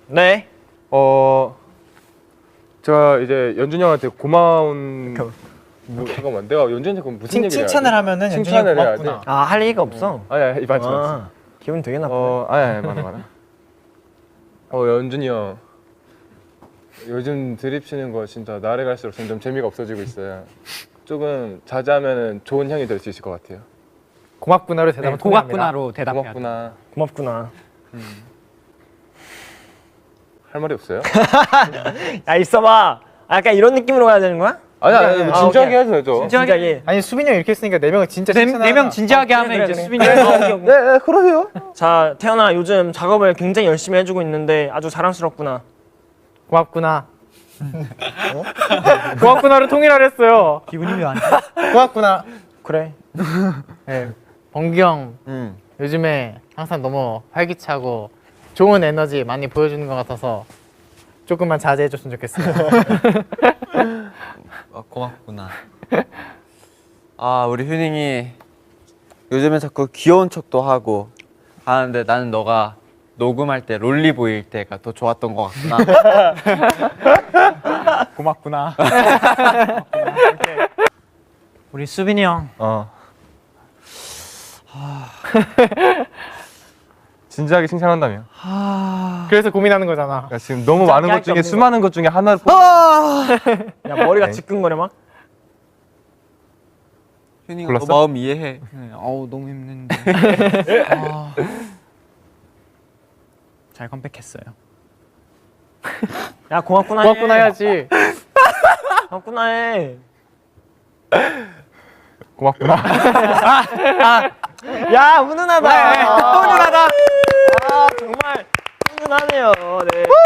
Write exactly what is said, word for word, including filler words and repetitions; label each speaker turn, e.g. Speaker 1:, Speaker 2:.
Speaker 1: 네.
Speaker 2: 어 제가 이제 연준이 형한테 고마운 뭐, 잠깐만 내가 연준이한테 그럼 무슨
Speaker 3: 칭,
Speaker 2: 얘기를 해야
Speaker 3: 칭찬을
Speaker 2: 돼?
Speaker 3: 하면은
Speaker 2: 칭찬을
Speaker 3: 연준이가
Speaker 2: 해야
Speaker 3: 고맙구나.
Speaker 2: 돼?
Speaker 1: 아, 할 얘기가 없어.
Speaker 2: 아니 아니 맞지 맞지.
Speaker 1: 아, 기분 되게 나쁘네.
Speaker 2: 어 아니 아니 많아 많아. 어 연준이 형 요즘 드립 치는 거 진짜 날에 갈수록 점점 재미가 없어지고 있어요. 조금 자제하면 좋은 형이 될 수 있을 것 같아요.
Speaker 3: 고맙구나로 대답을
Speaker 4: 네, 고맙구나로 대답해야 돼.
Speaker 2: 고맙구나.
Speaker 1: 고맙구나.
Speaker 2: 할 말이 없어요?
Speaker 1: 야, 있어봐. 아, 약간 이런 느낌으로 가야 되는 거야?
Speaker 2: 아니 아니
Speaker 1: 아,
Speaker 2: 진지하게
Speaker 1: 오케이.
Speaker 2: 해야죠.
Speaker 1: 진지하게.
Speaker 3: 아니 수빈이 형 이렇게 했으니까 네 명은 진짜
Speaker 4: 네,
Speaker 3: 칭찬을
Speaker 4: 네 명
Speaker 3: 하나.
Speaker 4: 진지하게
Speaker 1: 아,
Speaker 4: 하면
Speaker 1: 그래,
Speaker 4: 이제
Speaker 1: 그래.
Speaker 4: 수빈이
Speaker 1: 네,
Speaker 4: 형.
Speaker 1: 네, 네.
Speaker 2: 네, 네 그러세요.
Speaker 1: 자, 태연아, 요즘 작업을 굉장히 열심히 해주고 있는데 아주 자랑스럽구나.
Speaker 3: 고맙구나. 어? 고맙구나를 통일하려 했어요.
Speaker 4: 기분이 왜 안 좋아?
Speaker 3: 고맙구나.
Speaker 1: 그래.
Speaker 3: 네, 범규 형
Speaker 2: 음.
Speaker 3: 요즘에 항상 너무 활기차고 좋은 에너지 많이 보여주는 것 같아서 조금만 자제해줬으면 좋겠어요.
Speaker 5: 아, 고맙구나. 아 우리 휴닝이 요즘에 자꾸 귀여운 척도 하고 하는데 나는 너가 녹음할 때 롤리 보일 때가 더 좋았던 것 같구나.
Speaker 4: 고맙구나. 우리 수빈이 형.
Speaker 2: 어. 진지하게 칭찬한다며.
Speaker 3: 그래서 고민하는 거잖아.
Speaker 2: 그러니까 지금 너무 많은 것 중에 수많은 것 중에 하나를 뽑...
Speaker 1: 야, 머리가 지끈거려 막.
Speaker 5: 휴닝아
Speaker 2: 골랐어?
Speaker 5: 너 마음 이해해. 네, 어우 너무 힘든데.
Speaker 4: 아, 잘 컴백했어요.
Speaker 1: 야, 고맙구나.
Speaker 3: 고맙구나
Speaker 1: 해.
Speaker 3: 해야지.
Speaker 1: 고맙구나 해.
Speaker 2: 고맙구나.
Speaker 1: 야, 훈훈하다. 훈훈하다. 아, 정말 훈훈하네요. 네.